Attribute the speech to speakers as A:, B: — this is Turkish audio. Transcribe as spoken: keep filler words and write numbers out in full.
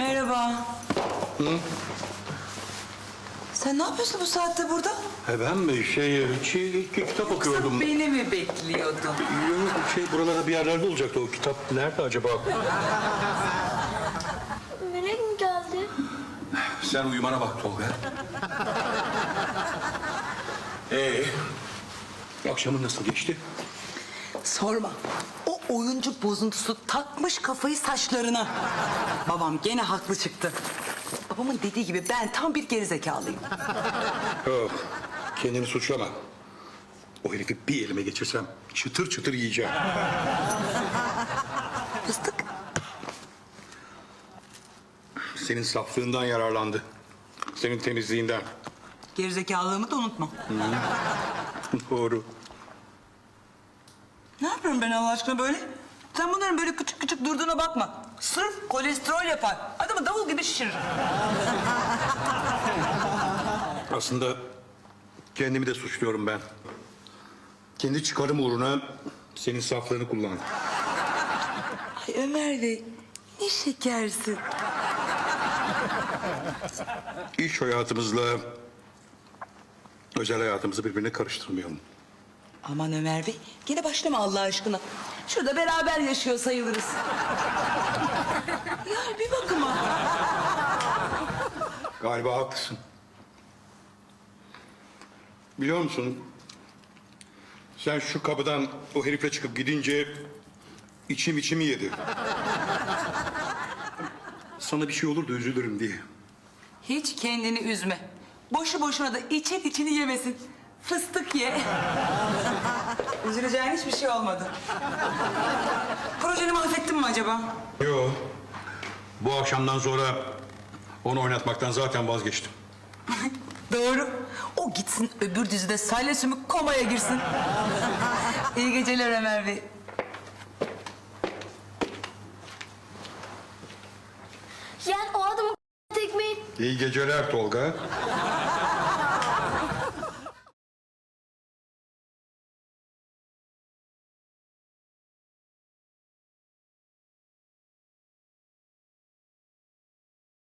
A: Merhaba.
B: Hı?
A: Sen ne yapıyorsun bu saatte burada?
B: He ben mi? Şey, şey kitap okuyordum.
A: Sen beni mi bekliyordun?
B: Yok, şey buralarda bir yerlerde olacaktı o kitap. Nerede acaba?
C: Melek mi geldi?
B: Sen uyumana bak Tolga. Ee, akşamın nasıl geçti?
A: Sorma. O oyuncu bozuntusu takmış kafayı saçlarına. Babam gene haklı çıktı. Babamın dediği gibi ben tam bir gerizekalıyım.
B: Yok, kendini suçlama. O herifi bir elime geçirsem çıtır çıtır yiyeceğim.
A: Fıstık.
B: Senin saflığından yararlandı. Senin temizliğinden.
A: Gerizekalılığımı da unutma.
B: Doğru.
A: Ne yapıyorum ben Allah aşkına böyle? Sen bunların böyle küçük küçük durduğuna bakma. Sırf kolesterol yapar. Adamı davul gibi şişirir.
B: Aslında kendimi de suçluyorum ben. Kendi çıkarım uğruna senin saflığını kullandım.
A: Ay Ömer Bey, ne şekersin.
B: İş hayatımızla özel hayatımızı birbirine karıştırmayalım.
A: Aman Ömer Bey, gene başlama Allah aşkına. Şurada beraber yaşıyor sayılırız. Ya bir bakıma.
B: Galiba haklısın. Biliyor musun? Sen şu kapıdan o herifle çıkıp gidince içim içimi yedi. Sana bir şey olur da üzülürüm diye.
A: Hiç kendini üzme. Boşu boşuna da için içini yemesin. Fıstık ye. Üzüleceğin hiçbir şey olmadı. Projeni mahvettin mi acaba?
B: Yok. Bu akşamdan sonra onu oynatmaktan zaten vazgeçtim.
A: Doğru. O gitsin öbür dizide Salya Sümük komaya girsin. İyi geceler Ömer Bey.
C: Yani o adamın tekmeyi...
B: İyi geceler Tolga.